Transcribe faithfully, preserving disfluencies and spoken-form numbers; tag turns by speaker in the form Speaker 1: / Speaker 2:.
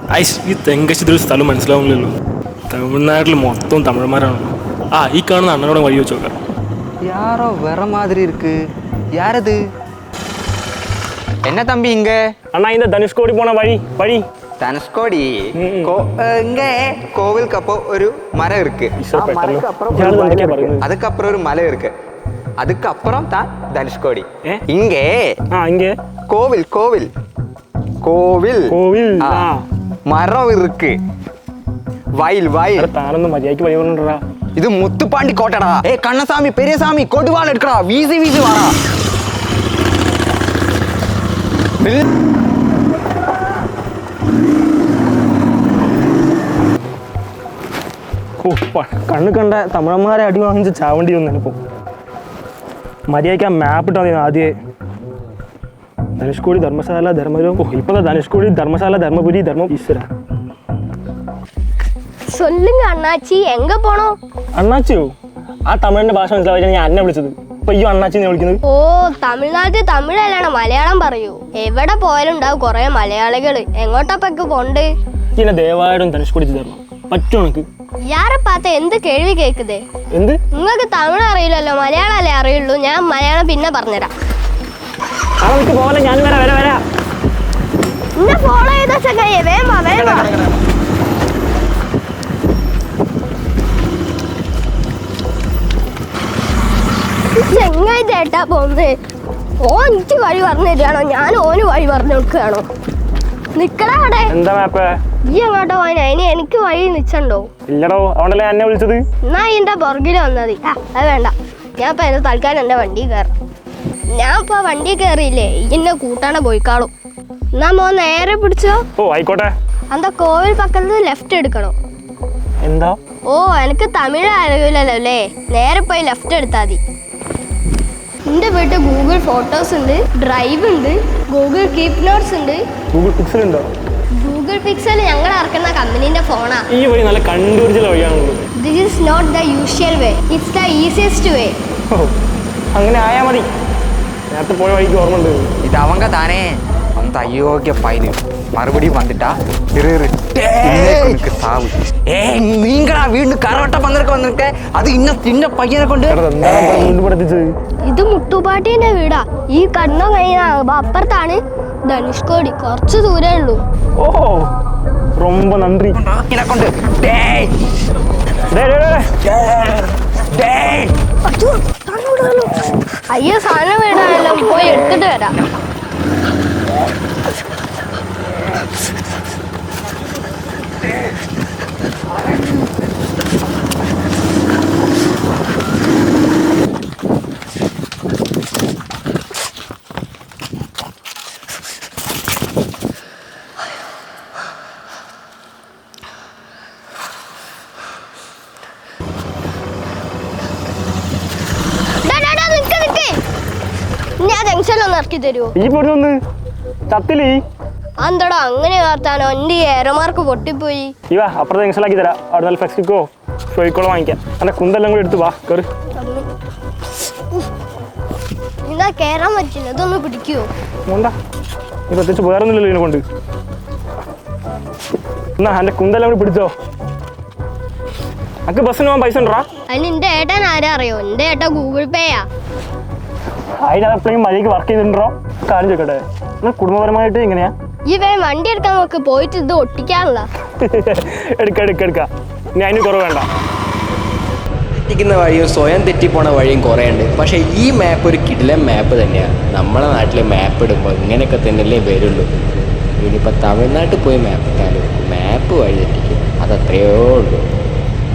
Speaker 1: Ice ഈ തെങ്കശ്ശേരി സ്ഥലം മനസ്സിലാവുന്നില്ലല്ലോ. തമിഴ്നാട്ടിൽ മൊത്തം തമിഴന്മാരാണല്ലോ. ആ ഈ കാണുന്ന അണ്ണനോടെ വഴി വെച്ച് നോക്കാം.
Speaker 2: யாரோ வேற மாதிரி இருக்கு. யார் அது? என்ன தம்பி இங்க?
Speaker 1: அண்ணா இந்த தனுஷ்கோடி போன வழி வழி
Speaker 2: தனுஷ்கோடி இங்க கோவிலுக்கு அப்போ ஒரு மரம் இருக்கு. அதுக்கப்புறம் ஒரு மலை இருக்கு. அதுக்கப்புறம் தான் தனுஷ்கோடி. இங்க
Speaker 1: இங்க
Speaker 2: கோவில் கோவில் கோவில்
Speaker 1: கோவில்
Speaker 2: மரம் இருக்கு. வயல் வயல்
Speaker 1: தானந்த மதியாக்கி வழி வரணும்டா.
Speaker 2: இது முத்துப்பாண்டி கோட்டடா. ஏ கண்ணசாமி பெரியசாமி கொடுவாள் எடுக்கடா. வீசி வீசி வாடா.
Speaker 1: കണ്ണ് കണ്ട തമിഴന്മാരെ അടി വാങ്ങിച്ച് ചാവണ്ടി വന്നിപ്പോ. മര്യാദയ്ക്ക് ആ മാപ്പ് ഇട്ടാ മതി ആദ്യമേ. ധനുഷ്കോടി ധർമ്മശാല ധർമ്മപുരം. ഓ ഇപ്പൊ ധനുഷ്കോടി ധർമ്മശാല ധർമ്മപുരി ധർമ്മ ഈശ്വര.
Speaker 3: சொல்லுங்க அண்ணாச்சி, எங்க போனோம்?
Speaker 1: അണ്ണാച്ചിയോ? ആ തമിഴിന്റെ ഭാഷ മനസ്സിലാവാൻ ഞാൻ അന്നെ വിളിച്ചത്. ഇപ്പൊ ഈ അണ്ണാച്ചിനെ വിളിക്കുന്നത്?
Speaker 3: ഓ തമിഴ്നാട്ടിൽ തമിഴല്ലാണ്, മലയാളം പറയൂ. എവിടെ പോയാലും ഉണ്ടാവും കൊറേ മലയാളികള്. എങ്ങോട്ടപ്പൊക്കെ പോണ്ട്?
Speaker 1: ഇങ്ങനെ ദയവായിട്ടും ധനുഷ്കോടി തരണം പറ്റും എനിക്ക്.
Speaker 3: യാരെ പാത്ത എന്ത് കേൾവി കേൾക്കുതേ?
Speaker 1: എന്ത്
Speaker 3: നിങ്ങൾക്ക് തമിഴ് അറിയില്ലല്ലോ, മലയാളം അല്ലേ അറിയുള്ളൂ. ഞാൻ മലയാളം പിന്നെ പറഞ്ഞുതരാം.
Speaker 1: പോലെ ഞാൻ വരാ വരാ വരാ
Speaker 3: എന്നെ ഫോളോ ചെയ്ത ചങ്ങായി വേഗം വേഗം. ചെങ്ങായി ചേട്ടാ പോന്നേ. ഓ എനിക്ക് വഴി പറഞ്ഞു തരികയാണോ ഞാൻ ഓന് വഴി പറഞ്ഞു കൊടുക്കുകയാണോ? നിക്കടാ അവിടെ.
Speaker 1: എന്താ മാപ്പ്?
Speaker 3: ഈ അങ്ങോട്ടോ പോയി അതിന് എനിക്ക് വഴി നിച്ചണ്ടോ?
Speaker 1: ഇല്ലടോ, അതുകൊണ്ടല്ലേ എന്നെ വിളിച്ചത്.
Speaker 3: എന്നാ ഇതിന്റെ പുറകിൽ വന്നത്. ആ അത് വേണ്ട, ഞാൻ ഇപ്പൊ എന്റെ തൽക്കാലം എന്റെ വണ്ടി കയറാം. ഞാൻ ഇപ്പൊ വണ്ടി കയറിയില്ലേ, ഇന്നെ കൂട്ടാണ് പോയിക്കാളും. എന്നാ മോ നേരെ പിടിച്ചോ.
Speaker 1: ഓ ആയിക്കോട്ടെ.
Speaker 3: എന്താ കോവിൽ പക്കത്ത് ലെഫ്റ്റ് എടുക്കണോ?
Speaker 1: എന്താ?
Speaker 3: ഓ എനിക്ക് തമിഴ് അറിയില്ലല്ലോ അല്ലേ, നേരെ പോയി ലെഫ്റ്റ് എടുത്താൽ മതി. എന്റെ വീട്ടിൽ ഗൂഗിൾ ഫോട്ടോസ് ഉണ്ട്, ഡ്രൈവ് ഉണ്ട്, ഗൂഗിൾ കീപ് നോട്ട്സ് ഉണ്ട്.
Speaker 1: ഗൂഗിൾ പിക്സൽ ഉണ്ടോ?
Speaker 3: ഗൂഗിൾ പിക്സൽ ഞങ്ങൾ ഇറക്കുന്ന കമ്പനീന്റെ ഫോണാ.
Speaker 1: ഈ വഴി നല്ല കണ്ടുപിടിച്ചുള്ള വഴിയാണല്ലോ.
Speaker 3: This is not the usual way, it's the easiest way.
Speaker 1: അങ്ങനെ ആയാ മതി. നേരത്തെ പോയ വഴിക്ക് ഓർമ്മ ഉണ്ട്.
Speaker 2: ഇത് அவங்க தானே அந்த அயோக்கிய பையன் மறுபடியும் வந்துட்டா சாவு. ஏ நீங்களா வீണ്ടും കറവട്ട പന്തൽക്ക് വന്നിരിക്കെ. അത് ഇന്ന ചിന്ന പയ്യനെ കൊണ്ട്
Speaker 3: ഇത് മുട്ടുപാട്ടിന്റെ വീടാ. ഈ കണ്ണോ കഴിഞ്ഞ അപ്പുറത്താണ് ധനുഷ്കോടി, കുറച്ച് ദൂരേ ഉള്ളൂ.
Speaker 1: ഓ ரொம்ப നന്ദി.
Speaker 2: കൊണ്ട്
Speaker 3: അയ്യോ സാധനം വീടാണല്ലോ, പോയി എടുത്തിട്ട് വരാം. ഇറക്കി തരുമോ? എന്തോടോ അങ്ങനെ വാർത്താനോ? എന്റെ ഏറോമാർക്ക് പൊട്ടിപ്പോയി.
Speaker 1: അപ്പുറത്തെ ജംഗ്ഷനിലാക്കി തരാം. അവിടെ നല്ല ഫ്ലെക്സിക്കോ ഷോയിക്കോളോ വാങ്ങിക്കാം. എന്റെ കുന്തെല്ലാം കൂടി എടുത്ത് വാ കയറി.
Speaker 3: ഇതാ കേറാൻ പറ്റില്ല, ഇതൊന്ന് പിടിക്കുവോ?
Speaker 1: വേണ്ട, നീ പ്രത്യേകിച്ച് വേറൊന്നുമില്ലല്ലോ ഇതിനെ കൊണ്ട്. എന്നാ എന്റെ കുന്തെല്ലാം കൂടി പിടിച്ചോ. അക്ക് ബസ്സിന് പോകാൻ പൈസ ഉണ്ടോ?
Speaker 3: അതിന് എന്റെ ഏട്ടൻ ആരാ അറിയോ? എന്റെ ഏട്ടൻ ഗൂഗിൾ പേയാ.
Speaker 1: അതിനെപ്പോഴും മഴയ്ക്ക് വർക്ക് ചെയ്തിട്ടുണ്ടോ? കാര്യം ചോദിക്കട്ടെ, കുടുംബപരമായിട്ട് എങ്ങനെയാ?
Speaker 3: ഈ വേ വണ്ടി എടുക്കാൻ നോക്ക്, പോയിട്ട് ഇത് ഒട്ടിക്കാനുള്ള.
Speaker 1: എടുക്ക എടുക്ക എടുക്കാം. ഇനി അതിന് കുറവ് വേണ്ട.
Speaker 4: തെറ്റിക്കുന്ന വഴിയും സ്വയം തെറ്റിപ്പോണ വഴിയും കുറേ ഉണ്ട്. പക്ഷേ ഈ മാപ്പ് ഒരു കിടിലൻ മാപ്പ് തന്നെയാണ്. നമ്മളെ നാട്ടിൽ മാപ്പ് ഇടുമ്പോൾ ഇങ്ങനെയൊക്കെ തന്നെയല്ലേ വരുള്ളൂ. ഇനിയിപ്പോൾ തമിഴ്നാട്ടിൽ പോയി മാപ്പ് ഇട്ടാലും മാപ്പ് വഴി തെറ്റിക്കും. അതത്രയേ ഉള്ളൂ.